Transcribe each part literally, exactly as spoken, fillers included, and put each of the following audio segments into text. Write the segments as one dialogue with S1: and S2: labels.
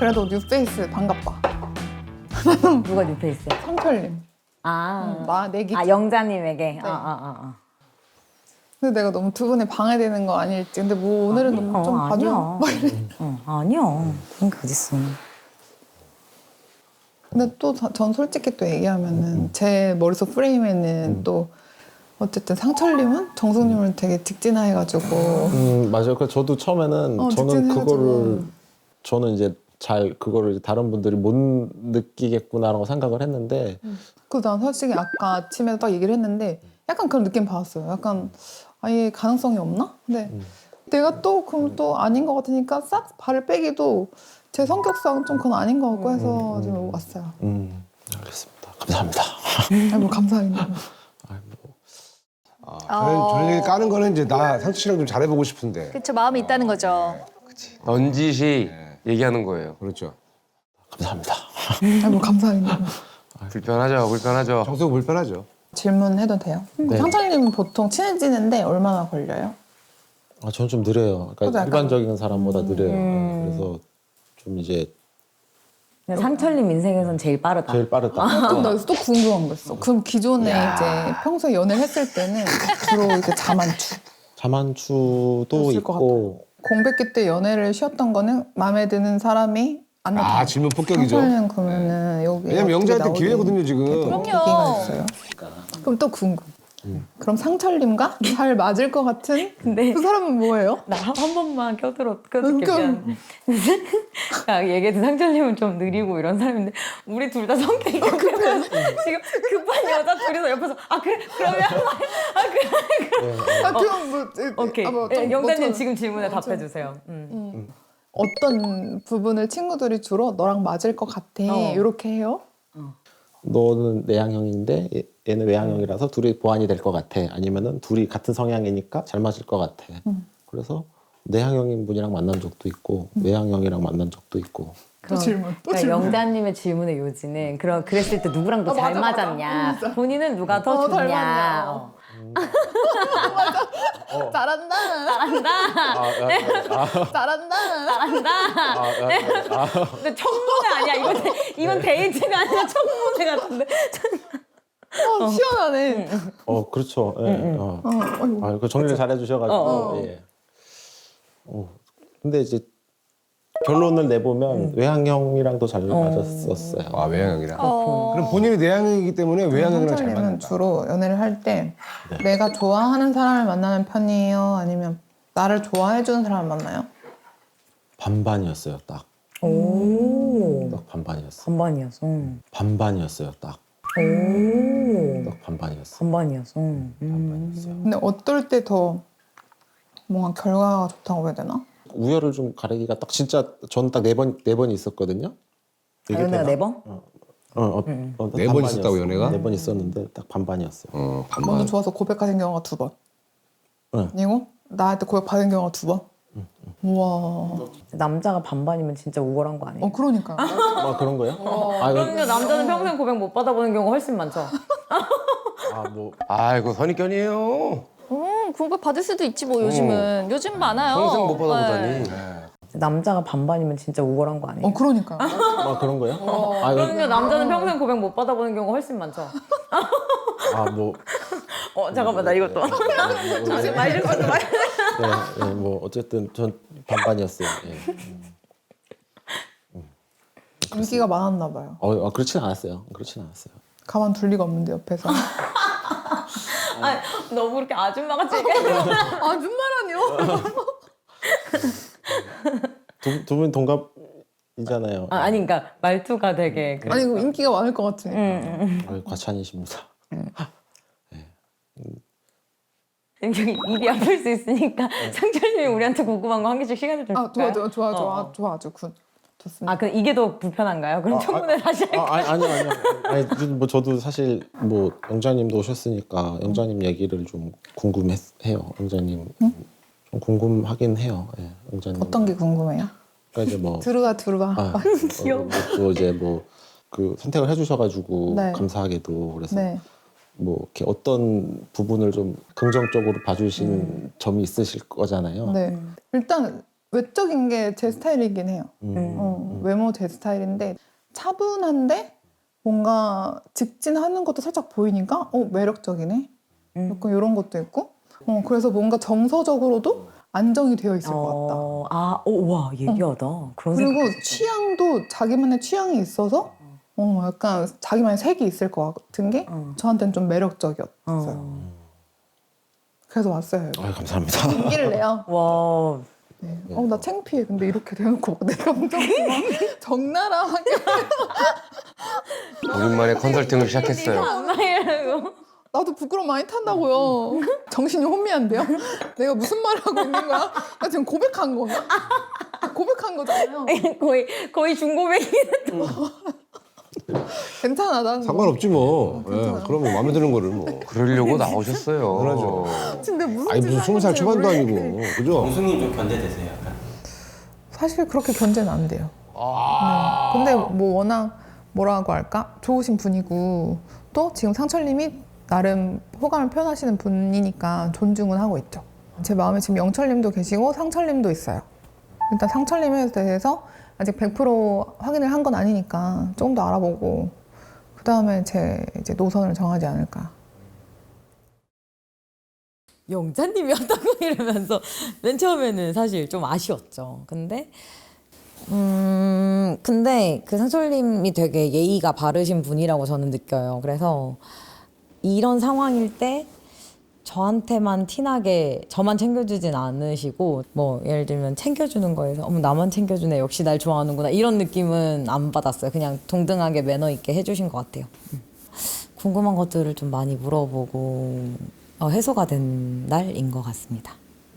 S1: 그래도 뉴페이스 반갑다.
S2: 누가 뉴페이스야?
S1: 성철님.
S2: 아,
S1: 응, 나 내기.
S2: 아 영자님에게.
S1: 네.
S2: 아, 아, 아, 아.
S1: 근데 내가 너무 두 분에 방해되는 거 아닐지. 근데 뭐 오늘은 너무 좀
S2: 어,
S1: 봐줘.
S2: 아니야.
S1: 막 이래.
S2: 어, 아니야. 그런 게 어딨어.
S1: 근데 또 전 솔직히 또 얘기하면은 제 머릿속 프레임에는 또 어쨌든 상철님은 정숙님을 되게 직진화해가지고
S3: 음 맞아요. 그래서 저도 처음에는
S1: 어,
S3: 저는
S1: 직진해가지고.
S3: 그거를 저는 이제 잘 그거를 다른 분들이 못 느끼겠구나라고 생각을 했는데
S1: 그래서 난 솔직히 아까 아침에 딱 얘기를 했는데 약간 그런 느낌 받았어요. 약간 아예 가능성이 없나? 근데
S3: 음.
S1: 내가 또 그럼 또 아닌 것 같으니까 싹 발을 빼기도 제 성격상 좀 그건 아닌 것 같고 해서
S3: 음,
S1: 지금
S3: 음.
S1: 왔어요.
S3: 음 알겠습니다. 감사합니다.
S1: 아이 뭐 감사합니다.
S3: 아이, 뭐.
S4: 아, 저는
S5: 어.
S4: 저녁에 까는 거는 이제 나 상추 씨랑 좀 잘해보고 싶은데.
S5: 그쵸, 마음이 있다는 거죠.
S6: 넌지시 얘기하는 거예요.
S4: 그렇죠.
S3: 감사합니다.
S1: 아이 뭐 감사합니다.
S6: 불편하죠, 불편하죠.
S4: 정수가 불편하죠.
S1: 질문해도 돼요?
S3: 네.
S1: 상철님은 보통 친해지는데 얼마나 걸려요?
S3: 아, 저는 좀 느려요.
S1: 저도
S3: 그러니까
S1: 약간-
S3: 일반적인 사람보다 느려요.
S2: 음.
S3: 그래서 좀 이제
S2: 근데 상철님 인생에선 제일 빠르다.
S3: 제일 빠르다.
S1: 좀 나 여기서 또 궁금한 거 있어. 그럼 기존에 이제 평소에 연애를 했을 때는 주로 이렇게 자만추.
S3: 자만추도
S1: 그랬을 것
S3: 있고
S1: 공백기 때 연애를 쉬었던 거는 마음에 드는 사람이 안 나타나.
S4: 아, 질문 폭격이죠.
S1: 상철님 그러면은 여기
S4: 왜냐면
S1: 어떻게
S4: 영자한테
S1: 나오게
S4: 기회거든요, 지금.
S5: 그럼요.
S1: 계기가 있어요. 그럼 또 궁금. 그럼 상철님과 잘 맞을 것 같은
S2: 근데
S1: 그 사람은 뭐예요?
S2: 나 한 번만 껴들어 껴들게
S1: 껴-
S2: 미안. 야, 얘기해도 상철님은 좀 느리고 이런 사람인데 우리 둘 다 성격이 급해서 지금 급한 여자 둘이서 옆에서 아 그래 그러면 아 그래
S1: 아, 그럼 뭐,
S2: 오케이.
S1: 아, 뭐
S2: 예,
S1: 좀
S2: 영자님
S1: 뭐처럼-
S2: 지금 질문에
S1: 뭐처럼-
S2: 답해 주세요. 음.
S1: 어떤 부분을 친구들이 주로 너랑 맞을 것 같아
S2: 어.
S1: 이렇게 해요?
S3: 너는 내향형인데 얘- 얘는 외향형이라서 둘이 보완이 될 것 같아. 아니면은 둘이 같은 성향이니까 잘 맞을 것 같아.
S1: 음.
S3: 그래서 내향형인 분이랑 만난 적도 있고 외향형이랑 만난 적도 있고.
S1: 또 질문 또
S2: 그러니까
S1: 질문.
S2: 영자님의 질문의 요지는 그런 그랬을 때 누구랑 더
S1: 아,
S2: 잘
S1: 맞아, 맞아.
S2: 맞았냐,
S1: 진짜.
S2: 본인은 누가 더
S1: 어, 잘
S2: 좋냐.
S1: 맞냐.
S2: 어.
S1: 잘한다
S2: 잘한다.
S3: 아,
S1: 잘한다
S2: 잘한다. 근데 청문회 아니야. 이건 데, 이건 데이트가 아니라 청문회 같은데.
S1: 어, 시원하네.
S3: 어 그렇죠. 예. 어.
S1: 어, 어이구.
S3: 아, 그 정리를 잘 해주셔가지고.
S2: 어.
S3: 예. 어. 근데 이제 결론을 내보면 외향형이랑도 잘 맞았었어요.
S4: 아, 외향형이랑.
S5: 어.
S4: 그럼 본인이 내향형이기 때문에 외향형이랑 잘
S1: 상철님은
S4: 맞는다.
S1: 주로 연애를 할 때 내가 좋아하는 사람을 만나는 편이에요? 아니면 나를 좋아해주는 사람을 만나요?
S3: 반반이었어요. 딱.
S2: 오.
S3: 딱 반반이었어.
S2: 반반이었어.
S3: 반반이었어요. 딱.
S2: 오.
S3: 딱 반반이었어.
S2: 반반이었어.
S3: 반반이었어요.
S1: 근데 어떨 때 더 뭔가 결과가 좋다고 해야 되나?
S3: 우열을 좀 가리기가 딱 진짜 저는 딱 네 번 네 번이 있었거든요. 얘기해도
S2: 연애가
S3: 되나?
S2: 네 번?
S3: 어, 어,
S2: 음.
S3: 어,
S4: 네번 있었다고, 연애가?
S3: 네번 있었는데 딱 반반이었어요.
S4: 어,
S1: 먼저
S4: 반반.
S1: 좋아서 고백하는 경우가 두 번.
S3: 응.
S1: 그리고 나한테 고백받은 경우가 두 번. 우와.
S2: 남자가 반반이면 진짜 우월한 거 아니에요?
S1: 어 그러니까.
S3: 아 그런 거예요? 아, 이거-
S2: 그럼요. 남자는 평생 고백 못 받아보는 경우가 훨씬 많죠.
S3: 아, 뭐
S6: 아이고 선입견이에요.
S5: 음, 고백 받을 수도 있지 뭐 요즘은. 요즘 많아요.
S6: 평생 못 받아보다니.
S5: 네.
S2: 남자가 반반이면 진짜 우월한 거 아니에요?
S1: 어 그러니까.
S3: 아, 그런 거예요? 아, 이거-
S2: 그럼요. 남자는 평생 고백 못 받아보는 경우가 훨씬 많죠.
S3: 아, 뭐
S2: 어 잠깐만 나 이것도 말 좀 말.
S3: 네, 네, 뭐 어쨌든 전 반반이었어요. 예.
S1: 인기가 많았나 봐요.
S3: 어, 아, 그렇진 않았어요. 그렇진 않았어요.
S1: 가만 둘 리가 없는데 옆에서.
S2: 아, 너무 그렇게 아줌마 같이 얘기해.
S1: 아줌마라뇨?
S3: 두, 두 분 동갑이잖아요.
S2: 아, 아니 그러니까 말투가 되게 그래.
S1: 아니 이거 인기가 많을 것 같으니까.
S2: 응, 응.
S3: 아, 과찬이십니다.
S2: 여기 입이 아플 수 있으니까 상철님이 우리한테 궁금한 거 한 개씩 시간을 좀
S1: 아 좋아
S2: 줄까요?
S1: 좋아 좋아 좋아
S2: 어.
S1: 좋아 아주 굿. 좋습니다.
S2: 아, 그럼 이게 더 불편한가요? 그럼 청문회 다시 할까요?
S3: 아, 아니, 아니요, 아니요. 아니, 뭐 저도 사실 뭐 영자님도 오셨으니까 영자님 얘기를 좀 궁금해요. 영자님 좀 궁금하긴 해요. 예, 영자님.
S1: 어떤 게 궁금해요?
S3: 그러니까 이제 뭐
S1: 들어가 들어가.
S3: 아,
S2: 귀여워.
S3: 어, 또 이제 뭐 그 선택을 해주셔가지고
S1: 네.
S3: 감사하게도 그래서
S1: 네.
S3: 뭐 이렇게 어떤 부분을 좀 긍정적으로 봐주신 점이 있으실 거잖아요.
S1: 네. 일단 외적인 게 제 스타일이긴 해요.
S3: 음.
S1: 어, 외모 제 스타일인데 차분한데 뭔가 직진하는 것도 살짝 보이니까 어 매력적이네.
S2: 음.
S1: 약간 이런 것도 있고. 어 그래서 뭔가 정서적으로도 안정이 되어 있을 것 같다.
S2: 어, 아, 오, 와, 예리하다. 그런
S1: 그리고
S2: 생각.
S1: 취향도 자기만의 취향이 있어서 어 약간 자기만의 색이 있을 것 같은 게
S2: 어.
S1: 저한테는 좀 매력적이었어요.
S2: 어.
S1: 그래서 왔어요. 여기.
S3: 아 감사합니다.
S1: 용기를 내요.
S2: 와,
S1: 네. 어, 나 창피해. 근데 이렇게 대놓고 막 내가 엄청 막 적나라하게
S6: 오랜만에 컨설팅을 시작했어요.
S2: 안 나이라고.
S1: 나도 부끄러움 많이 탄다고요. 정신이 혼미한데요? 내가 무슨 말을 하고 있는 거야? 나 지금 고백한 건가? 고백한 거잖아요.
S2: 거의, 거의 중고백이네.
S1: 괜찮아, 난.
S4: 상관없지 뭐. 예,
S1: 괜찮아요.
S4: 그러면 마음에 드는 거를 뭐.
S6: 그러려고 나오셨어요.
S4: 그러죠.
S1: 근데 무슨
S4: 아니 무슨
S1: 짓을
S4: 스무 살
S1: 하는지
S4: 초반도
S1: 모르겠는데.
S4: 아니고, 그죠?
S7: 정수님 좀 견제되세요, 약간.
S1: 사실 그렇게 견제는 안 돼요. 네. 근데 뭐 워낙 뭐라고 할까? 좋으신 분이고 또 지금 상철님이 나름 호감을 표현하시는 분이니까 존중은 하고 있죠. 제 마음에 지금 영철님도 계시고 상철님도 있어요. 일단 상철님에 대해서 아직 백 퍼센트 확인을 한 건 아니니까 조금 더 알아보고 그 다음에 제 이제 노선을 정하지 않을까.
S2: 영자님이었다고 이러면서 맨 처음에는 사실 좀 아쉬웠죠. 근데 음 근데 그 상철님이 되게 예의가 바르신 분이라고 저는 느껴요. 그래서 이런 상황일 때 저한테만 티나게 저만 챙겨주진 않으시고 뭐 예를 들면 챙겨주는 거에서 어머 나만 챙겨주네 역시 날 좋아하는구나 이런 느낌은 안 받았어요. 그냥 동등하게 매너 있게 해주신 것 같아요. 음. 궁금한 것들을 좀 많이 물어보고 어, 해소가 된 날인 것 같습니다.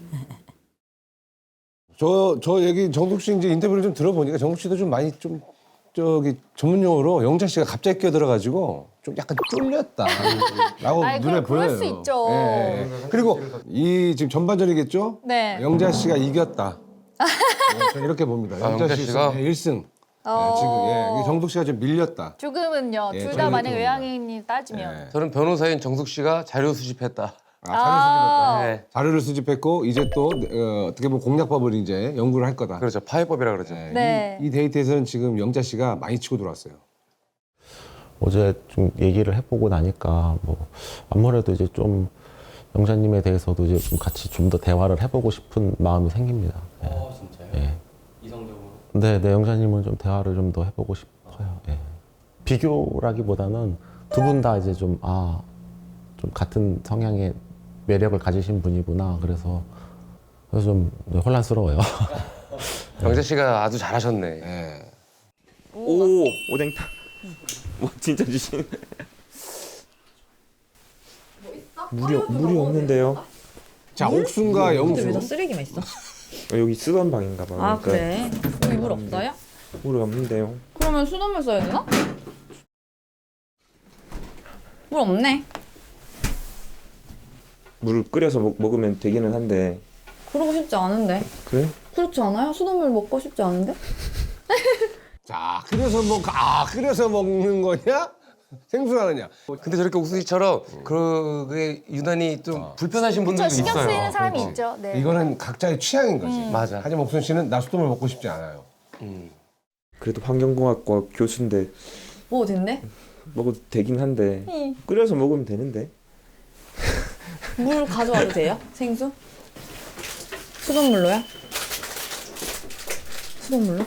S4: 저, 저 얘기 정숙 씨 이제 인터뷰를 좀 들어보니까 정숙 씨도 좀 많이 좀 저기 전문 용어로 영자 씨가 갑자기 끼어들어가지고 좀 약간 쫄렸다라고
S5: 아이,
S4: 눈에
S5: 그럼 그럴
S4: 보여요.
S5: 수 있죠.
S4: 예, 예. 그리고 이 지금 전반전이겠죠?
S5: 네.
S4: 영자 씨가 이겼다. 네, 저는 이렇게 봅니다.
S6: 아, 영자 씨가?
S4: 일 승.
S5: 어.
S4: 네, 지금 예, 이게 정숙 씨가 좀 밀렸다.
S5: 조금은요.
S4: 예,
S5: 둘 다
S4: 저는
S5: 만약
S4: 좀-
S5: 외향인이 따지면.
S4: 예.
S6: 저는 변호사인 정숙 씨가 자료 수집했다.
S4: 아, 자료 수집했다.
S6: 네.
S4: 자료를 수집했고 이제 또 어, 어떻게 보면 공략법을 이제 연구를 할 거다.
S6: 그렇죠. 파해법이라 그러죠.
S4: 네,
S5: 네.
S4: 이, 이 데이트에서는 지금 영자 씨가 많이 치고 들어왔어요.
S3: 어제 좀 얘기를 해보고 나니까 뭐 아무래도 이제 좀 영자님에 대해서도 이제 좀 같이 좀 더 대화를 해보고 싶은 마음이 생깁니다. 예.
S7: 어, 진짜요?
S3: 예.
S7: 이성적으로.
S3: 네, 네, 영자님은 좀 대화를 좀 더 해보고 싶어요. 예. 비교라기보다는 두 분 다 이제 좀, 아, 좀 같은 성향의 매력을 가지신 분이구나. 그래서, 그래서 좀 혼란스러워요.
S6: 영자 씨가 아주 잘하셨네.
S4: 예.
S8: 오 오뎅탕. 뭐 진짜 주신. 물이 물이 없는데요.
S4: 자, 옥순과 영수.
S2: 쓰레기만 있어?
S8: 어, 여기 쓰던 방인가 봐.
S2: 아 그래?
S5: 여기 물 없어요?
S8: 물이 없는데요.
S5: 그러면 수돗물 써야 되나? 물 없네.
S8: 물을 끓여서 먹, 먹으면 되기는 한데.
S5: 그러고 싶지 않은데.
S8: 그래?
S5: 그렇지 않아요? 수돗물 먹고 싶지 않은데?
S4: 자, 끓여서 먹, 아, 끓여서 먹는 거냐? 생수하느냐?
S6: 근데 저렇게 옥수씨처럼 그게 유난히 좀 불편하신 분들도
S5: 신경
S6: 있어요.
S5: 쓰이는 사람이
S6: 그렇지.
S5: 있죠. 네.
S4: 이거는 각자의 취향인 거지.
S6: 맞아.
S4: 하지만 옥순 씨는 나 수돗물 먹고 싶지 않아요.
S6: 음.
S8: 그래도 환경공학과 교수인데
S5: 뭐 된대?
S8: 먹어도 되긴 한데
S5: 응.
S8: 끓여서 먹으면 되는데.
S5: 물 가져와도 돼요? 생수? 수돗물로요? 수돗물로?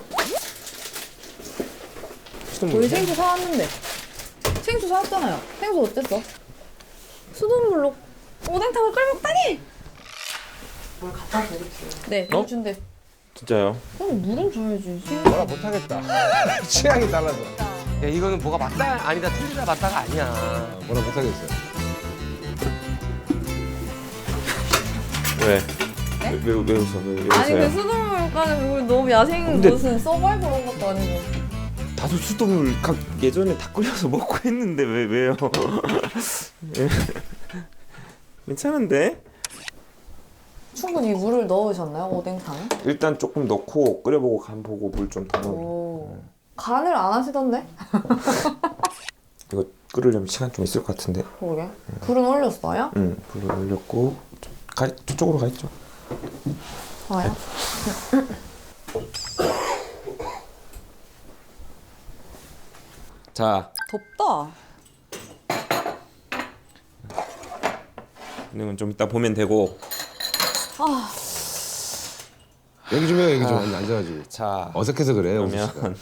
S8: 수돗물.
S5: 우리 생수 사왔는데. 생수 사왔잖아요. 생수 어땠어? 수돗물로 오뎅탕을 끓여 먹다니! 물 갖다 드릴게요. 네, 물
S8: 어?
S5: 준대.
S8: 진짜요?
S5: 그럼 물은 줘야지.
S4: 뭐라 못하겠다. 취향이 달라서.
S6: 야, 이거는 뭐가 맞다 아니다 틀리다 맞다가 아니야.
S4: 뭐라 못하겠어요.
S8: 왜? 왜, 왜, 왜 웃어? 왜, 왜
S5: 아니 그
S8: 웃어요?
S5: 수돗물까지 물 너무 야생
S8: 근데-
S5: 무슨 서바이벌 온 것도 아니고.
S8: 다도 수돗물 각 예전에 다 끓여서 먹고 했는데 왜 왜요? 예. 괜찮은데?
S5: 충분히 물을 넣으셨나요 오뎅탕에?
S8: 일단 조금 넣고 끓여보고 간 보고 물 좀 더 넣어.
S5: 오. 간을 안 하시던데?
S8: 이거 끓으려면 시간 좀 있을 것 같은데.
S5: 그러게. 불은 올렸어요?
S8: 응, 불을 올렸고 좀 가, 저쪽으로 가 있죠.
S5: 좋아요.
S8: 자,
S5: 덥다.
S8: 이건 좀 이따 보면 되고.
S4: 얘기 좀 해요, 얘기 좀. 아니, 앉아가지고.
S8: 자,
S4: 어색해서 그래, 오수 씨가.
S8: 그러면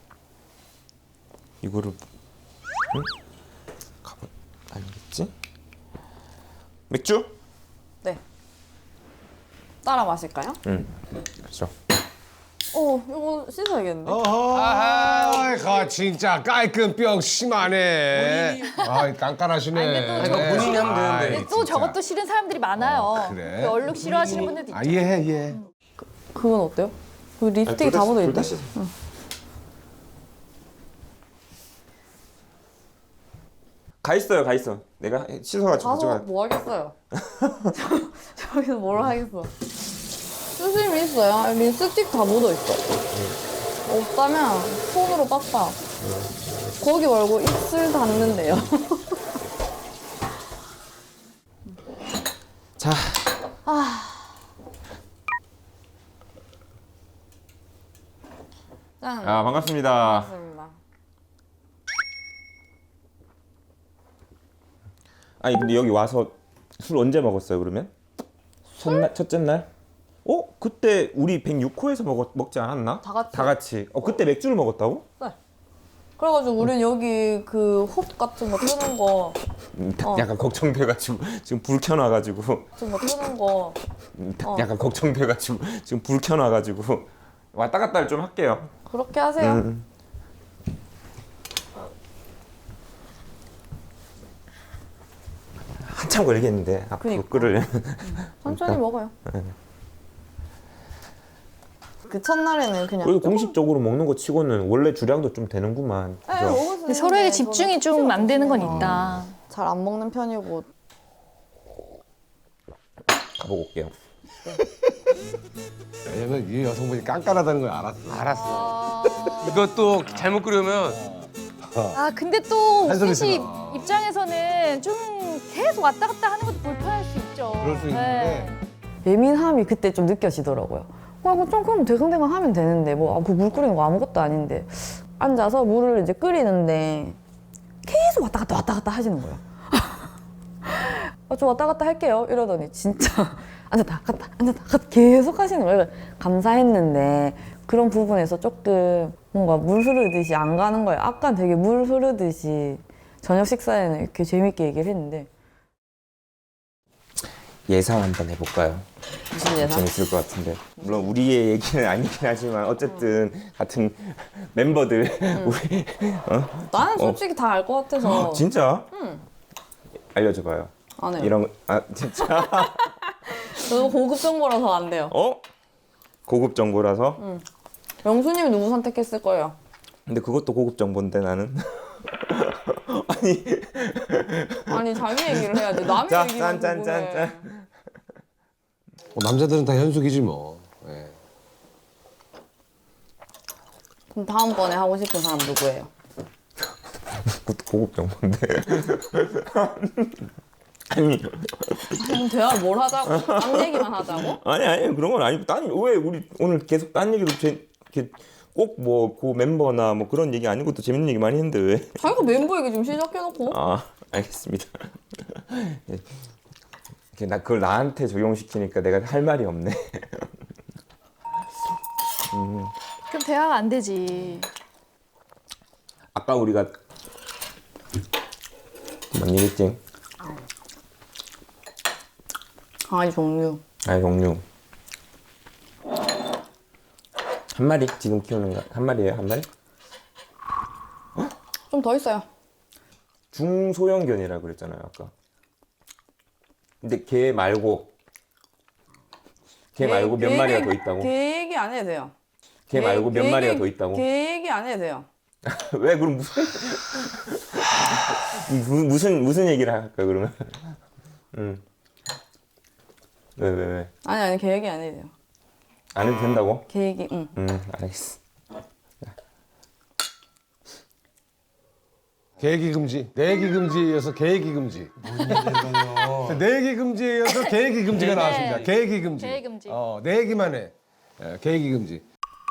S8: 이거를 응? 가보 아니겠지? 맥주?
S5: 네. 따라 마실까요?
S8: 응. 그렇죠.
S5: 어, 이거 씻어야겠는데.
S4: 어허, 가 진짜 깔끔병 심하네. 아, 깐깐하시네.
S6: 아니, 그거 본인이 하면 되는데.
S4: 아이,
S9: 근데 또
S4: 진짜.
S9: 저것도 싫은 사람들이 많아요.
S4: 어, 그래?
S9: 그 얼룩 싫어하시는 분들도 있죠.
S4: 아, 이해해, 이해해.
S5: 그건 어때요? 그 립스틱이 다 묻어 있대.
S8: 가 있어요, 가 있어. 내가 씻어가지고
S5: 가서
S8: 가져가.
S5: 뭐 하겠어요? 저, 저기서 뭘 하겠어? 수심이 있어요. 립스틱 다 묻어 있어. 없다면 손으로 빡빡. 거기 말고 입술 닿는데요.
S8: 자,
S5: 짠.
S8: 아 반갑습니다.
S5: 반갑습니다.
S8: 아니 근데 여기 와서 술 언제 먹었어요 그러면? 첫날 첫째 날? 어? 그때 우리 백육 호에서 먹었 먹지 않았나?
S5: 다 같이.
S8: 다 같이. 어 그때 맥주를 먹었다고?
S5: 네. 그래가지고 우린 여기 그 홉 같은 거 트는 거,
S8: 음,
S5: 어.
S8: 약간 걱정돼가지고 지금 불 켜놔가지고
S5: 같은 거 트는 거.
S8: 음,
S5: 어.
S8: 약간 걱정돼가지고 지금 불 켜놔가지고 왔다 갔다 좀 할게요.
S5: 그렇게 하세요.
S8: 음. 한참 걸리겠는데 앞으로
S5: 그니까.
S8: 끓으려면.
S5: 천천히 먹어요. 그 첫날에는 그냥.
S8: 그리고 공식적으로 먹는 거 치고는 원래 주량도 좀 되는구만.
S5: 네,
S8: 그죠?
S5: 먹을 수 있는데
S9: 서로에게 집중이
S5: 저는
S9: 좀 안 되는 건
S5: 어.
S9: 있다.
S5: 잘 안 먹는 편이고.
S8: 가보고 올게요.
S4: 왜냐면 이 여성분이 깐깐하다는 걸 알았어.
S6: 알았어. 이것도 잘못 끓으면
S9: 아 근데 또
S4: 한 소리
S9: 옥순 씨
S4: 들어.
S9: 입장에서는 좀 계속 왔다 갔다 하는 것도 불편할 수 있죠.
S4: 그럴 수 있는데.
S5: 예민함이 그때 좀 느껴지더라고요. 와, 이거 좀 그럼 대강대강 하면 되는데 뭐 그 물 끓이는 거 아무것도 아닌데 앉아서 물을 이제 끓이는데 계속 왔다 갔다 왔다 갔다 하시는 거예요. 아, 저 왔다 갔다 할게요 이러더니 진짜 앉았다 갔다 앉았다 갔다 계속 하시는 거예요. 감사했는데 그런 부분에서 조금 뭔가 물 흐르듯이 안 가는 거예요. 아까 되게 물 흐르듯이 저녁 식사에는 이렇게 재밌게 얘기를 했는데.
S8: 예상 한번 해볼까요?
S5: 무슨 예상?
S8: 재밌을 것 같은데. 물론 우리의 얘기는 아니긴 하지만 어쨌든 같은 멤버들 우리
S5: 나는 솔직히 다 알 것 같아서.
S8: 진짜
S5: 응.
S8: 알려줘봐요.
S5: 안 해요.
S8: 이런 거- 아 진짜
S5: 너무 고급 정보라서 안 돼요.
S8: 어 고급 정보라서.
S5: 영수님이 누구 선택했을 거예요?
S8: 근데 그것도 고급 정보인데 나는. 아니
S5: 아니 자기 얘기를 해야지. 남의
S8: 자,
S5: 얘기만
S8: 짠, 짠,
S5: 궁금해.
S8: 짠, 짠.
S4: 뭐 남자들은 다 현숙이지 뭐. 예.
S5: 그럼 다음번에 하고 싶은 사람 누구예요?
S8: 그것도 고급 정보인데. 아니
S5: 그럼 대화 뭘 하자고? 남 얘기만 하자고?
S8: 아니 아니 그런 건 아니고 딴 왜 우리 오늘 계속 딴 얘기로 제, 이렇게 꼭 뭐 그 멤버나 뭐 그런 얘기 아닌 것도 재밌는 얘기 많이 했는데 왜?
S5: 자기가 멤버 얘기 좀 시작해놓고.
S8: 아 알겠습니다. 이렇게 나 그걸 나한테 적용시키니까 내가 할 말이 없네. 음,
S9: 그럼 대화가 안 되지.
S8: 아까 우리가 뭔 얘기했지?
S5: 강아지 종류.
S8: 아니 동료 한 마리 지금 키우는 거 한 마리예요 한 마리?
S5: 좀 더 있어요.
S8: 중소형견이라고 그랬잖아요 아까. 근데 걔 말고 걔 말고 몇
S5: 걔
S8: 마리가
S5: 얘기-
S8: 더 있다고?
S5: 걔 얘기 안 해도 돼요.
S8: 걔 말고 몇
S5: 걔
S8: 마리가
S5: 얘기-
S8: 더 있다고?
S5: 걔 얘기 안 해도 돼요.
S8: 왜 그럼 무슨 무- 무슨 무슨 얘기를 할까 그러면? 응. 왜 왜 왜?
S5: 아니 아니 걔 얘기 안 해도 돼요.
S8: 안 해도 된다고?
S5: 걔 얘기 응.
S8: 응 알겠어.
S4: 계획이 금지. 내기 금지에 이어서 계획이 금지. 내기 금지에 이어서 계획이 금지가 나왔습니다. 계획이 금지.
S9: 계획 금지.
S4: 어, 내기만 해. 예, 계획이 금지.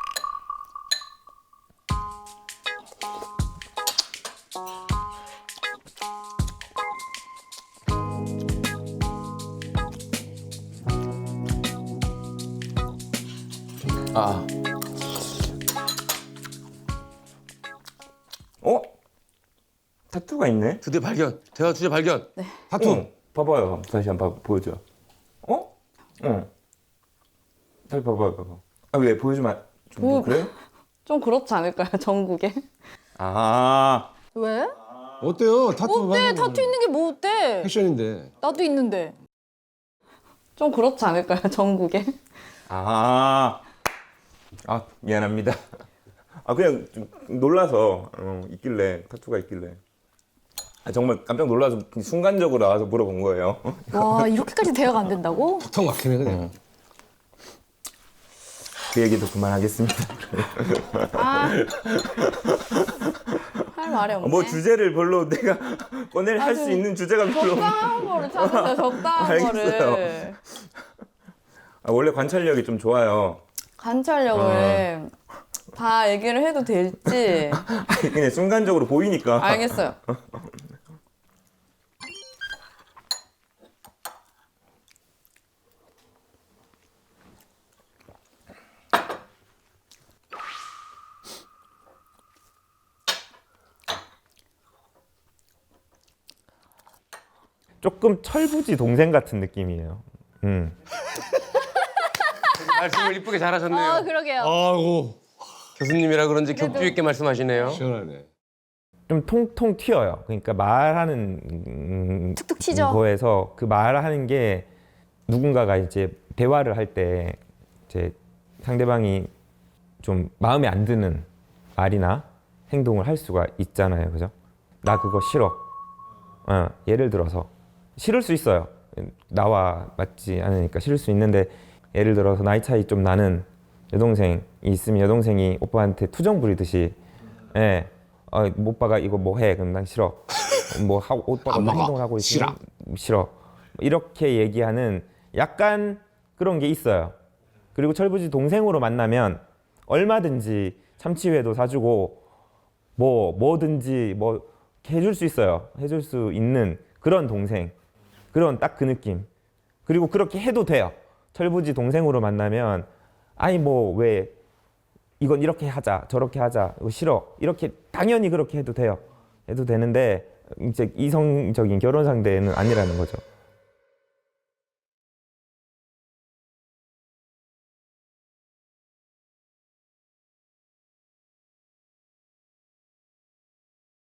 S6: 아,
S8: 어? 타투가 있네?
S6: 드디어 발견. 대화 주제 발견.
S4: 타투.
S8: 어, 봐봐요. 다시 한번 봐- 보여줘. 어? 응. 다시 봐봐요, 봐봐. 아, 왜 보여주면 안- 좀
S5: 뭐,
S8: 그래요?
S5: 좀 그렇지 않을까요, 전국에?
S8: 아,
S9: 왜?
S4: 어때요? 타투.
S9: 어때? 타투 있는 게 뭐 어때?
S4: 패션인데.
S9: 나도 있는데.
S5: 좀 그렇지 않을까요, 전국에?
S8: 아, 아 미안합니다. 아 그냥 좀 놀라서 어, 있길래 타투가 있길래. 아, 정말 깜짝 놀라서 순간적으로 나와서 물어본 거예요.
S9: 와, 이렇게까지 대화가 안 된다고?
S4: 턱 막히네 그냥.
S8: 그 얘기도 그만하겠습니다.
S5: 아, 할 말이 없네.
S8: 뭐 주제를 별로 내가 꺼낼 할 수 있는 주제가 별로 없.
S5: 적당한 거를 찾으세요, 적당한
S8: 알겠어요.
S5: 거를.
S8: 아, 원래 관찰력이 좀 좋아요.
S5: 관찰력을 다 얘기를 해도 될지.
S8: 아니, 그냥 순간적으로 보이니까.
S5: 알겠어요.
S8: 조금 철부지 동생 같은 느낌이에요. 음.
S6: 말씀을 이쁘게 잘하셨네요.
S9: 아, 그러게요.
S4: 아이고
S6: 교수님이라 그런지 격주 있게 말씀하시네요.
S4: 시원하네.
S8: 좀 통통 튀어요. 그러니까 말하는 음,
S9: 툭툭 튀죠.
S8: 거에서 그 말하는 게 누군가가 이제 대화를 할 때 이제 상대방이 좀 마음에 안 드는 말이나 행동을 할 수가 있잖아요, 그죠? 나 그거 싫어. 어, 예를 들어서 싫을 수 있어요. 나와 맞지 않으니까 싫을 수 있는데 예를 들어서 나이 차이 좀 나는 여동생이 있으면 여동생이 오빠한테 투정 부리듯이, 예, 어, 오빠가 이거 뭐 해? 그럼 난 싫어. 뭐 하고 오빠가
S4: 안
S8: 뭐
S4: 먹어.
S8: 행동을 하고 있으면
S4: 싫어.
S8: 싫어. 이렇게 얘기하는 약간 그런 게 있어요. 그리고 철부지 동생으로 만나면 얼마든지 참치회도 사주고 뭐 뭐든지 뭐 해줄 수 있어요. 해줄 수 있는 그런 동생, 그런 딱 그 느낌. 그리고 그렇게 해도 돼요. 철부지 동생으로 만나면 아니 뭐 왜 이건 이렇게 하자 저렇게 하자 이거 싫어 이렇게 당연히 그렇게 해도 돼요. 해도 되는데 이제 이성적인 결혼 상대는 아니라는 거죠.